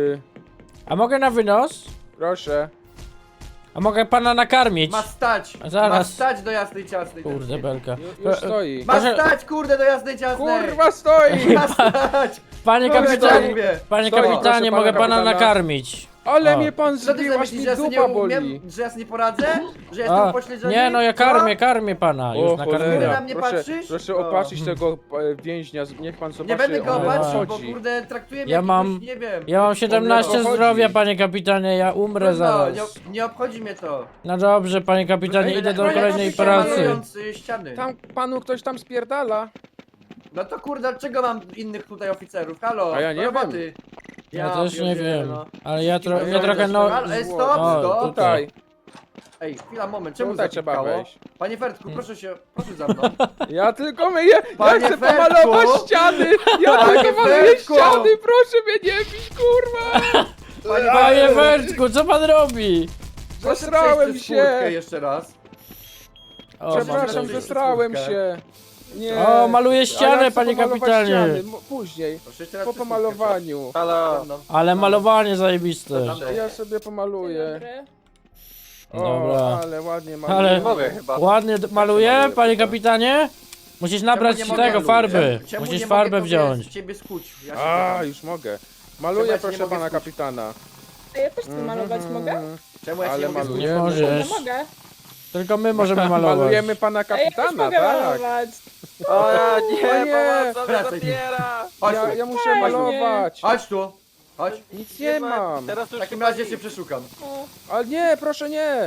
Speaker 1: A mogę na wynos?
Speaker 3: Proszę.
Speaker 1: A mogę pana nakarmić?
Speaker 5: Ma stać.
Speaker 1: Zaraz.
Speaker 5: Ma stać do jasnej ciasnej. ten
Speaker 1: Kurde
Speaker 5: śmietnik.
Speaker 1: belka.
Speaker 3: Już stoi.
Speaker 5: Ma
Speaker 1: Proszę-
Speaker 5: stać, kurde, do jasnej ciasnej.
Speaker 3: Kurwa stoi!
Speaker 5: Ma stać.
Speaker 1: Panie
Speaker 5: Powiedziałem
Speaker 1: kapitanie,
Speaker 5: mówię.
Speaker 1: panie
Speaker 3: Stoi,
Speaker 1: kapitanie,
Speaker 3: proszę
Speaker 1: mogę
Speaker 3: pana
Speaker 1: pana
Speaker 3: kapitana.
Speaker 1: nakarmić.
Speaker 3: Ale
Speaker 1: O.
Speaker 3: mnie pan
Speaker 5: Co ty
Speaker 3: zbił,
Speaker 5: sobie
Speaker 3: aż mi
Speaker 5: myślisz, że ja sobie
Speaker 3: dupa
Speaker 5: nie
Speaker 3: boli.
Speaker 5: umiem, że ja sobie nie poradzę? Że jestem
Speaker 1: A,
Speaker 5: upośledzony?
Speaker 1: nie no, ja karmię pana,
Speaker 3: O
Speaker 1: już
Speaker 5: Ty
Speaker 1: nakarmiłem.
Speaker 5: na mnie
Speaker 3: proszę,
Speaker 5: patrzysz?
Speaker 3: proszę
Speaker 5: O.
Speaker 3: opatrzyć tego więźnia, niech pan zobaczy.
Speaker 5: Nie będę go
Speaker 3: o co
Speaker 5: opatrzył, bo
Speaker 3: chodzi.
Speaker 5: kurde traktuje mnie
Speaker 1: Ja
Speaker 5: jakiegoś,
Speaker 1: mam-
Speaker 5: nie wiem.
Speaker 1: Ja mam 17
Speaker 3: chodzi.
Speaker 1: zdrowia, panie kapitanie, ja umrę
Speaker 5: No,
Speaker 1: zaraz.
Speaker 5: nie obchodzi mnie to.
Speaker 1: No dobrze, panie kapitanie, idę do
Speaker 5: Proszę,
Speaker 1: kolejnej
Speaker 5: proszę,
Speaker 1: pracy.
Speaker 5: malując, ściany.
Speaker 3: Tam panu ktoś tam spierdala.
Speaker 5: No to kurde, czego mam innych tutaj oficerów? Halo,
Speaker 3: A ja nie
Speaker 5: do roboty.
Speaker 1: Ja też nie
Speaker 5: pierdzielę,
Speaker 1: wiem,
Speaker 5: no.
Speaker 1: ale ja
Speaker 5: Wszystkim
Speaker 1: trochę no...
Speaker 5: Ale
Speaker 3: Zło.
Speaker 5: stop,
Speaker 1: O,
Speaker 5: stop.
Speaker 3: Tutaj,
Speaker 5: Ej, chwila, moment, czemu
Speaker 3: tutaj trzeba
Speaker 5: zapikało?
Speaker 3: wejść.
Speaker 5: Panie Fertku, proszę za mną.
Speaker 3: Ja tylko myję, ja
Speaker 5: Panie
Speaker 3: chcę
Speaker 5: Fertku!
Speaker 3: pomalować ściany! Ja
Speaker 5: Panie
Speaker 3: tylko maluję
Speaker 5: Fertku!
Speaker 3: ściany, proszę mnie nie bić, kurwa!
Speaker 1: Panie Wertku, co pan robi?
Speaker 5: Proszę
Speaker 3: Zesrałem
Speaker 5: przejść przez furtkę
Speaker 3: się!
Speaker 5: jeszcze raz.
Speaker 1: O,
Speaker 3: Przepraszam,
Speaker 5: mam
Speaker 3: zesrałem
Speaker 5: furtkę.
Speaker 3: się. Nie.
Speaker 1: O, maluję
Speaker 3: A ja
Speaker 1: ścianę,
Speaker 3: chcę
Speaker 1: panie
Speaker 3: pomalować
Speaker 1: kapitanie.
Speaker 3: ściany, później,
Speaker 5: Proszę jeszcze raz
Speaker 3: po
Speaker 5: przez
Speaker 3: pomalowaniu.
Speaker 7: Halo.
Speaker 5: furtkę.
Speaker 1: Ale malowanie zajebiste.
Speaker 3: Ja sobie
Speaker 4: Dzień
Speaker 3: pomaluję.
Speaker 4: dobry.
Speaker 3: O,
Speaker 1: Dobra.
Speaker 3: ale ładnie maluję.
Speaker 1: Ale
Speaker 7: Mogę chyba.
Speaker 1: ładnie maluję, panie kapitanie? Musisz nabrać
Speaker 5: Czemu
Speaker 1: ci
Speaker 5: nie
Speaker 1: tego
Speaker 5: mogę?
Speaker 1: farby.
Speaker 5: Czemu
Speaker 1: Musisz
Speaker 5: nie
Speaker 1: farbę
Speaker 5: mogę tobie
Speaker 1: wziąć.
Speaker 5: z ciebie skuć? Ja się
Speaker 3: A,
Speaker 5: pytam.
Speaker 3: już mogę.
Speaker 5: Czemu
Speaker 3: Maluję,
Speaker 5: ja ci
Speaker 3: proszę
Speaker 5: nie mogę
Speaker 3: pana
Speaker 5: skuć?
Speaker 3: kapitana.
Speaker 4: A ja też chcę malować, mogę?
Speaker 5: Czemu ja się
Speaker 3: Ale
Speaker 5: nie mogę
Speaker 3: maluję.
Speaker 1: Nie
Speaker 4: No
Speaker 1: możesz.
Speaker 4: mogę.
Speaker 1: Tylko my możemy malować.
Speaker 3: Malujemy pana
Speaker 4: A ja też
Speaker 3: kapitana,
Speaker 4: mogę
Speaker 3: tak.
Speaker 4: malować.
Speaker 7: O
Speaker 3: O nie,
Speaker 5: Wracaj tu. Chodź tu.
Speaker 3: Ja muszę
Speaker 4: Fajnie.
Speaker 3: malować.
Speaker 5: Chodź tu. Chodź.
Speaker 3: Nic nie mam.
Speaker 7: Teraz
Speaker 5: W
Speaker 7: już
Speaker 5: takim
Speaker 7: chyba
Speaker 5: razie
Speaker 7: nic.
Speaker 5: cię przeszukam.
Speaker 4: O,
Speaker 3: Ale nie, proszę nie.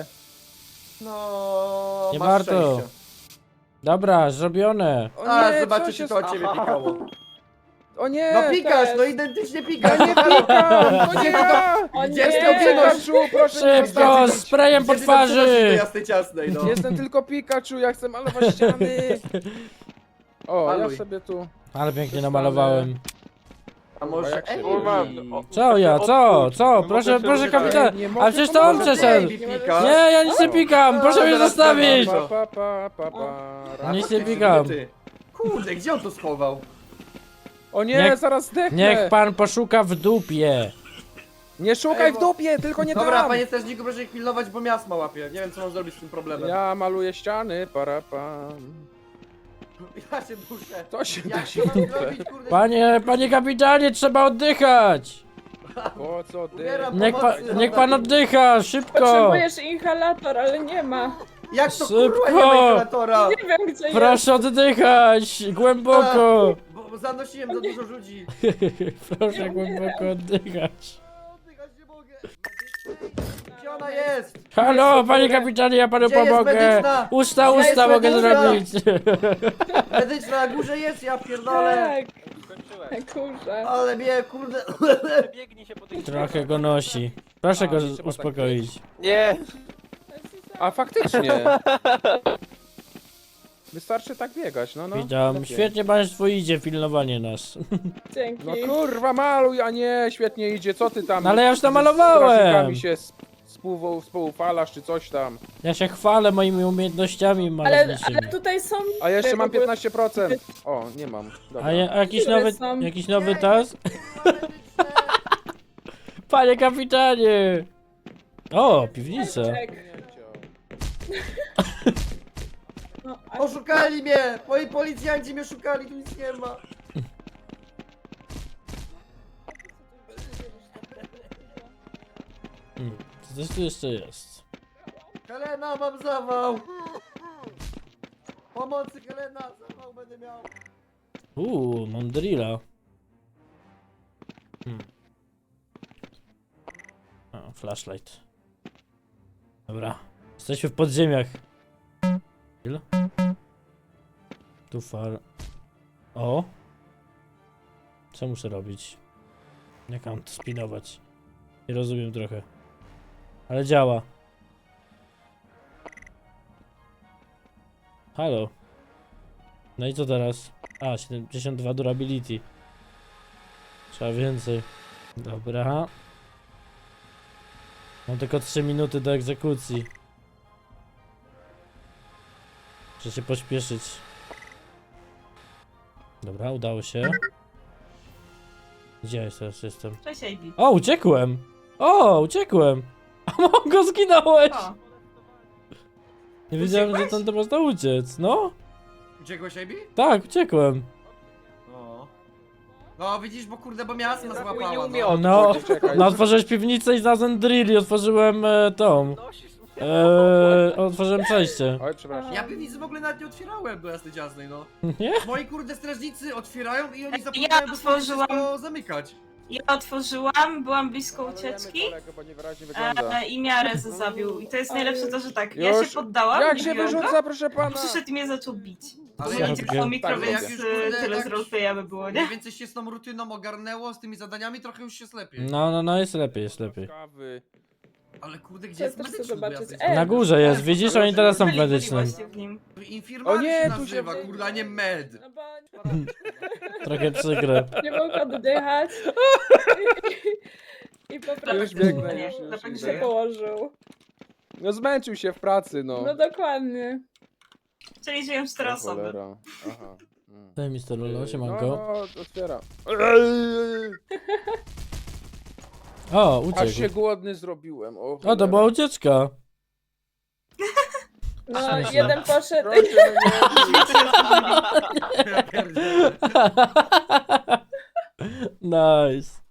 Speaker 5: No,
Speaker 1: Nie
Speaker 5: masz
Speaker 1: warto.
Speaker 5: szczęście.
Speaker 1: Dobra, zrobione.
Speaker 3: O
Speaker 5: A,
Speaker 3: nie,
Speaker 5: zobaczcie,
Speaker 3: co
Speaker 5: czy
Speaker 3: się
Speaker 5: to od ciebie pikało.
Speaker 3: O nie!
Speaker 5: No pikasz,
Speaker 4: jest.
Speaker 5: no identycznie
Speaker 3: Ja
Speaker 5: pikasz.
Speaker 3: nie pikam! To nie ja!
Speaker 4: O
Speaker 5: Gdzie jest
Speaker 4: nie!
Speaker 5: to
Speaker 3: Pikachu, proszę nie
Speaker 1: Szybko,
Speaker 3: zostawić.
Speaker 1: sprayem po
Speaker 5: Gdzie ty tam przenosisz do
Speaker 1: twarzy!
Speaker 5: jasnej ciasnej, no.
Speaker 3: Jestem tylko Pikachu, ja chcę malować ściany. O, ja
Speaker 5: Maluj.
Speaker 3: sobie tu...
Speaker 1: Ale pięknie namalowałem.
Speaker 5: A może
Speaker 3: jak się
Speaker 5: Ej,
Speaker 1: Co ja, co? Proszę, proszę kapitan.
Speaker 3: Nie
Speaker 1: A
Speaker 3: mogę
Speaker 1: przecież to on
Speaker 3: pomagać.
Speaker 1: przeszedł.
Speaker 5: Baby pikasz.
Speaker 1: Nie, ja nic nie pikam, proszę mnie
Speaker 5: zaraz
Speaker 1: zostawić!
Speaker 5: zobaczę.
Speaker 3: Pa.
Speaker 1: Nic nie
Speaker 5: Ty,
Speaker 1: pikam.
Speaker 5: ty. Kurde, gdzie on to schował?
Speaker 3: O nie,
Speaker 1: Niech-
Speaker 3: zaraz zdechnę.
Speaker 1: Niech pan poszuka w dupie.
Speaker 3: Nie szukaj
Speaker 5: Ej,
Speaker 3: w
Speaker 5: bo-
Speaker 3: dupie, tylko nie
Speaker 5: Dobra,
Speaker 3: tam.
Speaker 5: panie strażniku, proszę ich pilnować, bo miasma łapie. Nie wiem, co mam zrobić z tym problemem.
Speaker 3: Ja maluję ściany, para.
Speaker 5: Ja się duszę.
Speaker 3: To się
Speaker 5: Jak
Speaker 3: dusi
Speaker 5: to
Speaker 3: w
Speaker 5: mam
Speaker 3: dupę.
Speaker 5: zrobić, kurde?
Speaker 1: Panie kapitanie, trzeba oddychać.
Speaker 3: Po co ty?
Speaker 5: Ubieram
Speaker 1: Niech
Speaker 5: pomocy.
Speaker 1: pan oddycha, szybko.
Speaker 4: Potrzebujesz inhalator, ale nie ma.
Speaker 5: Jak to
Speaker 1: Szybko.
Speaker 5: kurwa nie ma inhalatora?
Speaker 4: Nie wiem gdzie jest.
Speaker 1: Proszę oddychać, głęboko.
Speaker 5: Bo zanosiłem za dużo ludzi.
Speaker 1: Proszę głęboko oddychać.
Speaker 5: Oddychać nie mogę. Gdzie ona jest?
Speaker 1: Halo, panie kapitanie, ja panu
Speaker 5: Gdzie jest
Speaker 1: pomogę.
Speaker 5: medyczna?
Speaker 1: Usta
Speaker 5: Gdzie jest
Speaker 1: mogę
Speaker 5: medyczna?
Speaker 1: zrobić.
Speaker 5: Medyczna na górze jest, ja pierdolę.
Speaker 4: Tak. Kurze.
Speaker 5: Ale mnie, kurde.
Speaker 1: Trochę go nosi. Proszę go
Speaker 3: trzeba tak
Speaker 1: uspokoić.
Speaker 3: A faktycznie. Wystarczy tak biegać, no.
Speaker 1: Witam,
Speaker 3: lepiej.
Speaker 1: świetnie państwu idzie pilnowanie nas.
Speaker 4: Dzięki.
Speaker 3: No kurwa, maluj, a nie, świetnie idzie, co ty tam?
Speaker 1: No ale ja już
Speaker 3: z
Speaker 1: namalowałem.
Speaker 3: strażnikami się współfalasz, czy coś tam.
Speaker 1: Ja się chwalę moimi umiejętnościami
Speaker 4: Ale
Speaker 1: malowniczymi.
Speaker 4: tutaj są...
Speaker 3: A ja jeszcze mam
Speaker 4: w ogóle-
Speaker 3: 15%. O, nie mam. Dobra.
Speaker 1: A jakiś
Speaker 4: Które
Speaker 1: nowy,
Speaker 4: są?
Speaker 1: jakiś nowy task? Panie kapitanie! O, piwnica.
Speaker 4: Tak. No, a
Speaker 5: Oszukali mnie! Moi policjanci mnie szukali, tu nic nie ma.
Speaker 1: Co tu jeszcze jest?
Speaker 5: Helena, mam zawał! Pomocy, Helena, zawał będę miał.
Speaker 1: Mam drilla. A, flashlight. Dobra. Jesteśmy w podziemiach. Drill. Tu far. O! Co muszę robić? Jak mam to spinować? Nie rozumiem trochę. Ale działa. Halo. No i co teraz? A, 72 durability. Trzeba więcej. Dobra. Mam tylko 3 minuty do egzekucji. Muszę się pośpieszyć. Dobra, udało się. Gdzie ja teraz jestem?
Speaker 10: Cześć, AB.
Speaker 1: O, uciekłem! O, uciekłem! A Mongo, zginąłeś!
Speaker 10: O,
Speaker 1: Nie wiedziałem, że tam to można uciec. No?
Speaker 5: Uciekłeś, Ejbi?
Speaker 1: Tak, uciekłem.
Speaker 5: No. No widzisz, bo kurde, bo miasma złapała.
Speaker 1: No,
Speaker 3: Czekaj.
Speaker 1: no otworzyłeś piwnicę i znalazłem drill i otworzyłem tą. Otworzyłem przejście.
Speaker 3: Oj, przepraszam.
Speaker 5: Ja piwnicy w ogóle nawet nie otwierałem do jasnej ciasnej, no.
Speaker 1: Nie?
Speaker 5: Moi kurde strażnicy otwierają i oni
Speaker 10: Ja
Speaker 5: zapomniają
Speaker 10: otworzyłam.
Speaker 5: wszystko zamykać.
Speaker 10: ja otworzyłam, byłam blisko ucieczki
Speaker 3: Bo niewyraźnie wygląda.
Speaker 10: i miarę zabił. I to jest najlepsze to, że tak, ja
Speaker 3: Już.
Speaker 10: się poddałam,
Speaker 3: Jak
Speaker 10: nie
Speaker 3: się
Speaker 10: biłam go,
Speaker 3: wyrzuca, proszę
Speaker 10: a
Speaker 3: pana?
Speaker 10: przyszedł i mnie zaczął bić.
Speaker 5: Ale
Speaker 10: Bo
Speaker 5: ja
Speaker 10: idzie
Speaker 1: tak,
Speaker 10: po mikro,
Speaker 3: tak,
Speaker 10: więc
Speaker 5: jak już, kurde,
Speaker 10: tyle
Speaker 5: tak
Speaker 10: z
Speaker 5: już-
Speaker 10: roleplaya by było, nie?
Speaker 5: Mniej więcej się z tą rutyną ogarnęło, z tymi zadaniami trochę już się lepiej.
Speaker 1: No, jest lepiej, jest lepiej.
Speaker 3: Kawy.
Speaker 5: Ale kurde, gdzie
Speaker 4: Chcę
Speaker 5: jest
Speaker 4: też chcę
Speaker 5: medyczny do
Speaker 4: zobaczyć.
Speaker 5: jasnej
Speaker 1: Na górze jest, widzisz, oni teraz są
Speaker 10: Byli
Speaker 1: medycznym.
Speaker 10: właśnie w nim.
Speaker 5: Infirmariusz
Speaker 3: O nie,
Speaker 5: się
Speaker 3: tu
Speaker 5: nazywa,
Speaker 3: się-
Speaker 5: kurde, a nie med.
Speaker 4: No bo
Speaker 1: Trochę przykre.
Speaker 4: nie mógł oddychać. I po
Speaker 3: Już
Speaker 4: prostu
Speaker 3: biegnę,
Speaker 10: Nie,
Speaker 3: już
Speaker 10: dlatego
Speaker 3: idę.
Speaker 4: się położył.
Speaker 3: No zmęczył się w pracy, no.
Speaker 4: No dokładnie.
Speaker 10: Czyli żyją 4
Speaker 3: O
Speaker 10: osoby.
Speaker 3: cholera. Aha.
Speaker 1: Daj mi Lolo,
Speaker 3: No,
Speaker 1: siemanko.
Speaker 3: otwieram.
Speaker 1: O,
Speaker 3: Aż się
Speaker 1: uciekł.
Speaker 3: głodny zrobiłem. O,
Speaker 1: O, to
Speaker 3: cholera.
Speaker 1: była ucieczka.
Speaker 4: No,
Speaker 1: Szczęście.
Speaker 4: jeden poszedł.
Speaker 3: Proszę, no nie.
Speaker 5: Ja pierdzielę.
Speaker 1: Nice.